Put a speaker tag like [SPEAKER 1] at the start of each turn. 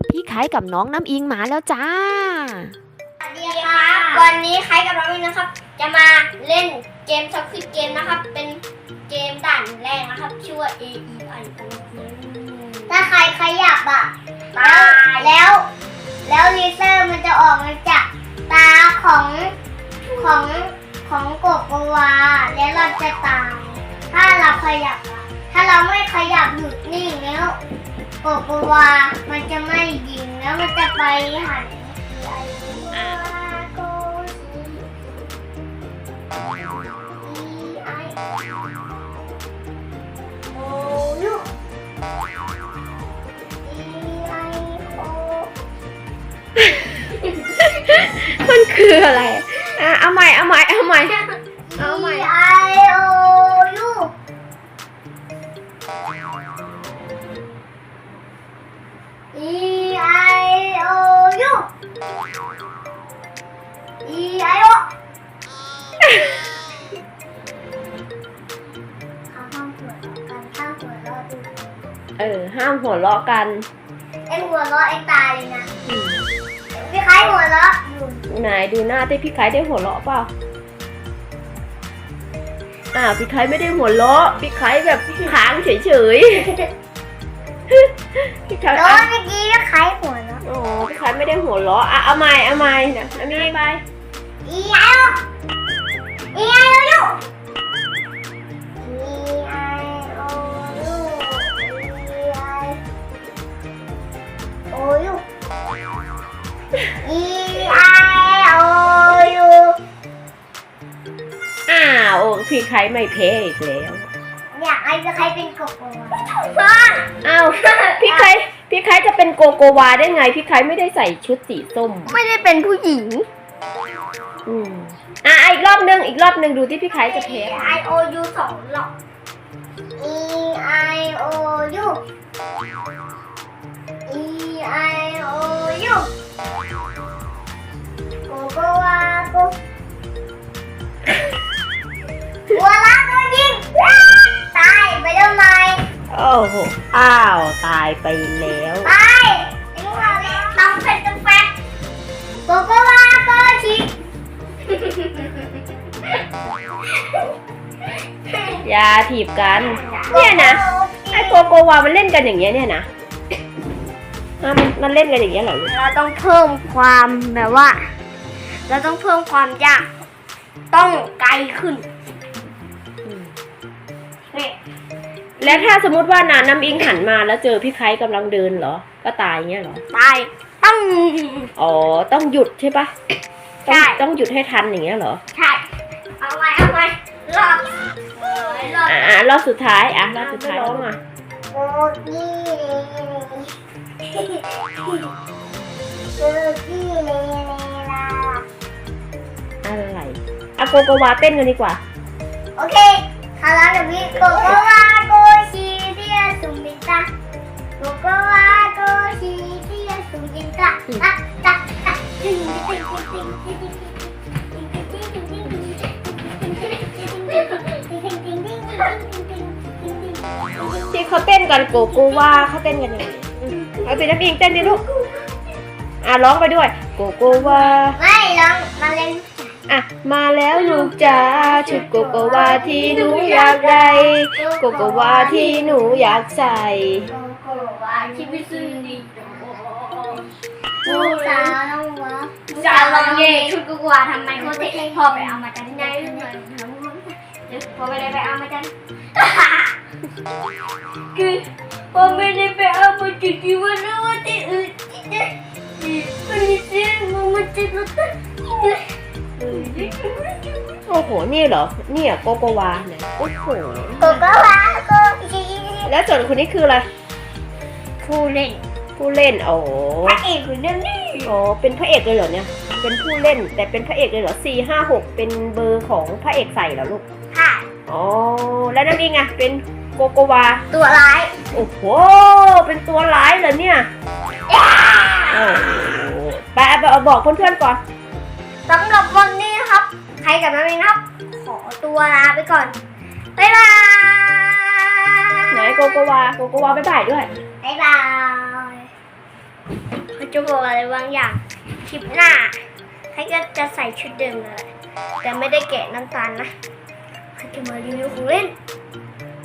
[SPEAKER 1] พี่ไข่กับน้องน้ำอิงมาแล้วจ้า
[SPEAKER 2] สวัสดีครับวันนี้ไข่กับน้องอิงนะครับจะมาเล่นเกมซับซิเกมนะครับเป็นเกมด่านแรกนะครับชื่อว่า A E I O U ถ้าใครขยับอ่ะตายแล้วเลเซอร์มันจะออกมาจากตาของกบกวาแล้วเราจะตายถ้าเราขยับถ้าเราไม่ขยับหยุดนิ่งแล้วกบกวามันจะไม่ยิงแล้วมันจะไปหัน
[SPEAKER 1] มันคืออะไรเอาใหม่ I O U E I O U E I O ห้ามหัวเราะกัน
[SPEAKER 2] เอ็งหัวเราะเอ็งตายเลยนะพี่ไข่หัวเราะ
[SPEAKER 1] ไหนดูหน้าที่พี่ไข่ได้หัวเราะเปล่าพี่ไข่ไม่ได้หัวเราะพี่ไข่แบบค้างเฉยพี่ไข่
[SPEAKER 2] โดนเมื่อกี้พี่ไข่หัวเราะ
[SPEAKER 1] พี่ไข่ไม่ได้หัวเราะเอาใหม่นะมีไป
[SPEAKER 2] E I O E I O U E I O U E I O U E I O U
[SPEAKER 1] พี่ไข่ไม่เพ้อีกแล้ว
[SPEAKER 2] อยากให้พี่ไข่เป็นโกโกวา
[SPEAKER 1] พี่ไข่จะเป็นโกโกวาได้ไงพี่ไข่ไม่ได้ใส่ชุดสีส้ม
[SPEAKER 2] ไม่ได้เป็นผู้หญิง
[SPEAKER 1] อีกรอบนึงดูที่พี่ไข่จะเพ้
[SPEAKER 2] I O U 2 รอบ E I O U E I O U โกโกวาโกหัวล้านโดนยิงตายไปทำไม
[SPEAKER 1] ตายไปแล้ว
[SPEAKER 2] ตายต้องเผ็ดต้องแฟกโกโกวาโกชิ
[SPEAKER 1] อย่าถีบกันเนี่ยนะไอ้โกโกวามันเล่นกันอย่างเงี้ยเนี่ยนะมันเล่นกันอย่างเงี้ยเหรอ
[SPEAKER 2] เราต้องเพิ่มความแบบว่าเราต้องเพิ่มความยากต้องไกลขึ้น
[SPEAKER 1] แล้วถ้าสมมติว่าน้ำอิงหันมาแล้วเจอพี่ไข่กำลังเดินเหรอก็ตายเงี้ยเหรอ
[SPEAKER 2] ตาย
[SPEAKER 1] ต้องหยุดใช่ปะ
[SPEAKER 2] ใช่
[SPEAKER 1] ต้องหยุดให้ทันอย่างเงี้ยเหรอ
[SPEAKER 2] ใช่เอาไว้
[SPEAKER 1] รอบสุดท้ายร้อง
[SPEAKER 2] โอ้กี้
[SPEAKER 1] อะไรโกโกวาเต้นกันดีกว่า
[SPEAKER 2] โอเคคาราเดวิโกโกวาโกชิเดียสุมิตะโกโกวาโกชิเดียสุมิตะ
[SPEAKER 1] ที่เขาเต้นกันโกโกวาเขาเต้นกันยังไงเอาสิน้ำอิงเต้นดิลูกร้องไปด้วยโกโกวา
[SPEAKER 2] ไม่ร้องมาเล่น
[SPEAKER 1] มาแล้วลูกจ๋าชุดโกโกวาที่หนูอยากได้โกโกวาที่หนูอยากใส่
[SPEAKER 2] โกโกวาที่ไม่ซื้อดีลูกสาวน้องวะจะลองเย่ชุดโกโกวาทำไมเขาเท่พอไปเอามาจากที่ไหนพอไม่ได้ไปเอามาจากคือพอไม่ได้ไปเอามาจากที่วันนั้นวันที่อื่นวันนี้เสียงมันจะรู้สึก
[SPEAKER 1] โอ้โหนี่เหรอเนี่ยโกโกวาเนี่ยโอ้โห
[SPEAKER 2] โกโกวาโกชิ
[SPEAKER 1] แล้วส่วนคนนี้คืออะไร
[SPEAKER 2] ผู้เล่น
[SPEAKER 1] พ
[SPEAKER 2] ระเอกคือเรื่องนี้
[SPEAKER 1] เป็นพระเอกเลยเหรอเนี่ยเป็นผู้เล่นแต่เป็นพระเอกเลยเหรอ4 5 6เป็นเบอร์ของพระเอกใส่เหรอลูก
[SPEAKER 2] ค่ะ
[SPEAKER 1] แล้วนั่นเองเป็นโกโกวา
[SPEAKER 2] ตัวร้าย
[SPEAKER 1] โอ้โหเป็นตัวร้ายเหรอเนี่ยไปบอกเพื่อนๆก่อน
[SPEAKER 2] สำหรับวันนี้นะครับใครกับน้องเองครับขอตัวลาไปก่อนบ๊ายบาย
[SPEAKER 1] ไหนโกโกวาบ๊ายบายด้วย
[SPEAKER 2] บ๊ายบายจะบอกอะไรบางอย่างคลิปหน้าใครก็จะใส่ชุดเดิมเลยแต่ไม่ได้แกะน้ำตาลนะใครจะมารีวิวของเล่น